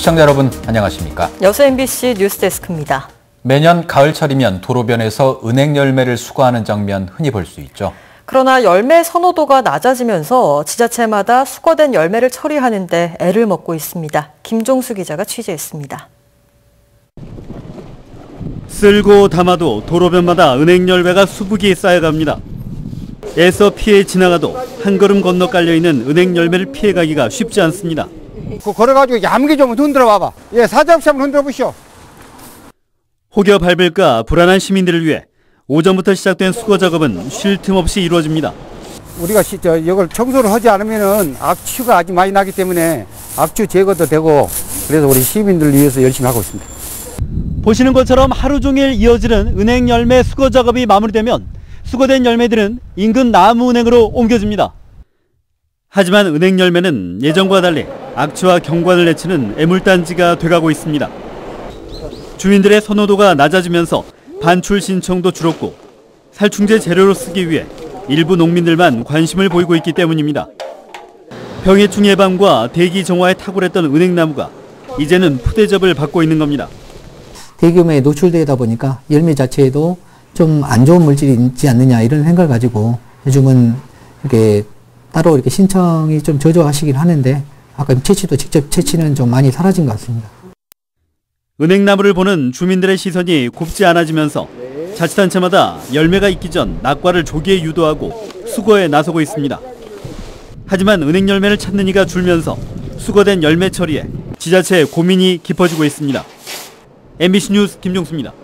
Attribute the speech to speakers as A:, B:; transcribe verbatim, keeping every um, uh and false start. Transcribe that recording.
A: 시청자 여러분 안녕하십니까?
B: 여수 엠비씨 뉴스데스크입니다.
A: 매년 가을철이면 도로변에서 은행 열매를 수거하는 장면 흔히 볼 수 있죠. 그러나
B: 열매 선호도가 낮아지면서 지자체마다 수거된 열매를 처리하는 데 애를 먹고 있습니다. 김종수 기자가 취재했습니다.
C: 쓸고 담아도 도로변마다 은행 열매가 수북이 쌓여갑니다. 애써 피해 지나가도 한 걸음 건너 깔려있는 은행 열매를 피해가기가 쉽지 않습니다.
D: 그 걸어가지고 얌기 좀 흔들어 봐봐. 예, 사장씨 한번 흔들어 보시오.
C: 혹여 밟을까 불안한 시민들을 위해 오전부터 시작된 수거 작업은 쉴 틈 없이 이루어집니다.
D: 우리가 시, 저, 이걸 청소를 하지 않으면은 악취가 아주 많이 나기 때문에 악취 제거도 되고 그래서 우리 시민들을 위해서 열심히 하고 있습니다.
C: 보시는 것처럼 하루 종일 이어지는 은행 열매 수거 작업이 마무리되면 수거된 열매들은 인근 나무은행으로 옮겨집니다. 하지만 은행 열매는 예전과 달리 악취와 경관을 내치는 애물단지가 돼가고 있습니다. 주민들의 선호도가 낮아지면서 반출 신청도 줄었고 살충제 재료로 쓰기 위해 일부 농민들만 관심을 보이고 있기 때문입니다. 병해충 예방과 대기 정화에 탁월했던 은행나무가 이제는 푸대접을 받고 있는 겁니다.
E: 대기오염에 노출되다 보니까 열매 자체에도 좀 안 좋은 물질이 있지 않느냐 이런 생각을 가지고 요즘은 이렇게 따로 이렇게 신청이 좀 저조하시긴 하는데 아까 채취도 직접 채취는 좀 많이 사라진 것 같습니다.
C: 은행나무를 보는 주민들의 시선이 곱지 않아지면서 자치단체마다 열매가 익기 전 낙과를 조기에 유도하고 수거에 나서고 있습니다. 하지만 은행 열매를 찾는 이가 줄면서 수거된 열매 처리에 지자체의 고민이 깊어지고 있습니다. 엠비씨 뉴스 김종수입니다.